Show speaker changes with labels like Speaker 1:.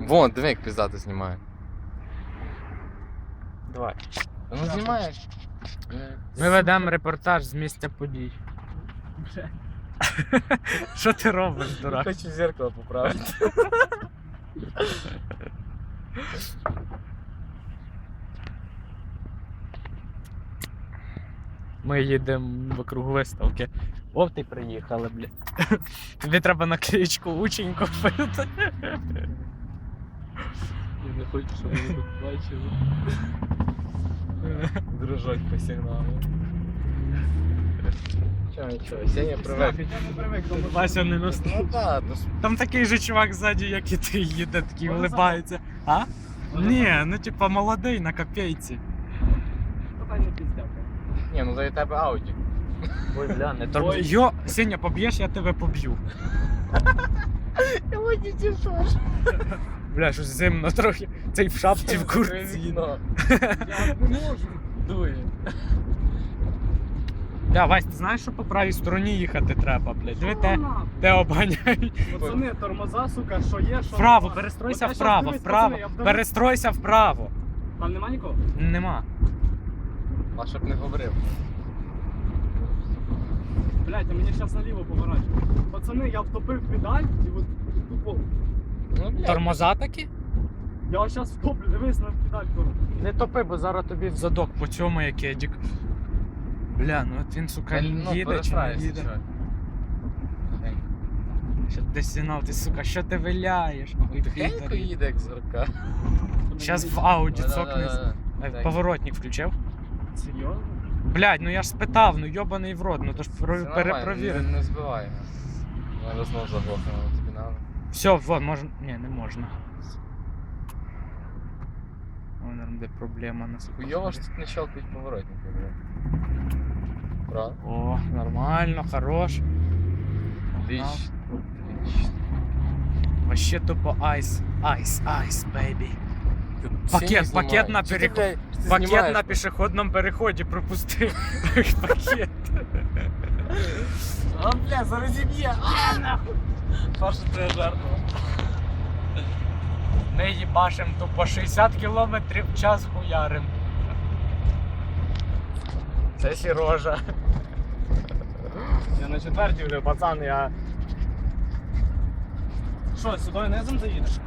Speaker 1: Вон, диви, як піздато знімає.
Speaker 2: Давай.
Speaker 1: Ну знімає.
Speaker 2: Ми ведемо репортаж з місця подій. Що ти робиш, дурак?
Speaker 1: Хочу зеркало поправити.
Speaker 2: Ми їдемо вокруг виставки. О, ти приїхали, бля. Тобі треба наклеїчку учень купити.
Speaker 1: Я не хочу, щоб вони тут бачили. Дружать по сигналу. Нічого, Сеня привик.
Speaker 2: Вася не ностав.
Speaker 1: Ну так, то ж
Speaker 2: Там такий же чувак ззаді, як і ти, їде, такий улибається. А? Ні, ну типа молодий на копійці.
Speaker 1: ні, ну за тебе Ауді.
Speaker 2: Ой, бля, не торгуй. Йо, Сеня, поб'єш, я тебе поб'ю.
Speaker 1: Я не тішиш.
Speaker 2: Бля, щось зимно трохи. Цей в шапці, в куртці.
Speaker 1: Я не можу. Дує.
Speaker 2: Бля, Вась, ти знаєш, що по правій стороні їхати треба, блядь? Диви, те обганяють.
Speaker 3: Пацани, тормоза, сука, що є, що
Speaker 2: Вправо,
Speaker 3: нема.
Speaker 2: перестройся
Speaker 3: От я щас
Speaker 2: вправо,
Speaker 3: дивлюсь,
Speaker 2: вправо.
Speaker 3: пацани, я вдавлю.
Speaker 2: Перестройся вправо.
Speaker 3: Там нема нікого?
Speaker 2: Нема.
Speaker 1: А щоб не говорив.
Speaker 3: Блять, а мені зараз наліво поворачує. Пацани, я втопив педаль і от тупо.
Speaker 1: Ну, блядь.
Speaker 2: Тормоза такі?
Speaker 3: Я зараз втоплю, дивись на педаль коротко.
Speaker 2: Не топи, бо зараз тобі в задок по цьому як едік. Бля, ну от він, сука,
Speaker 1: Ну,
Speaker 2: їде чи не
Speaker 1: перестраєшся,
Speaker 2: їде.
Speaker 1: що?
Speaker 2: Що ти сигнал, ти, сука, що ти виляєш? Ой,
Speaker 1: Тихенько
Speaker 2: Пітер.
Speaker 1: їде, як зірка.
Speaker 2: Щас в Ауді
Speaker 1: Да-да-да.
Speaker 2: цокнись.
Speaker 1: Так.
Speaker 2: Поворотник включив?
Speaker 3: Серйозно?
Speaker 2: Блядь, ну я ж спитав, ну йобаний в рот, ну то ж
Speaker 1: Все нормально,
Speaker 2: перепровір.
Speaker 1: Не збивай. Зараз знову заглохнемо, тобі надо.
Speaker 2: Все, вот, можна. Ні, не можна. Ой, наверное, де проблема нас.
Speaker 1: Хуйово ж тут не щелкають поворотники, блядь. Правда?
Speaker 2: О, нормально, хорош.
Speaker 1: Отлично.
Speaker 2: Вообще тупо айс, айс, айс, бейбі. Пакет на переход. Пакет на пішохідному переході пропустив. Пакет.
Speaker 1: А, бля, зараз зіб'є. А, нахуй. Паша, ти жартував.
Speaker 2: Ми їбашим тупо 60 км в час хуярим. Це Сережа.
Speaker 3: Я на четвертій вже, пацан, я... Що, сюди низом заїдеш?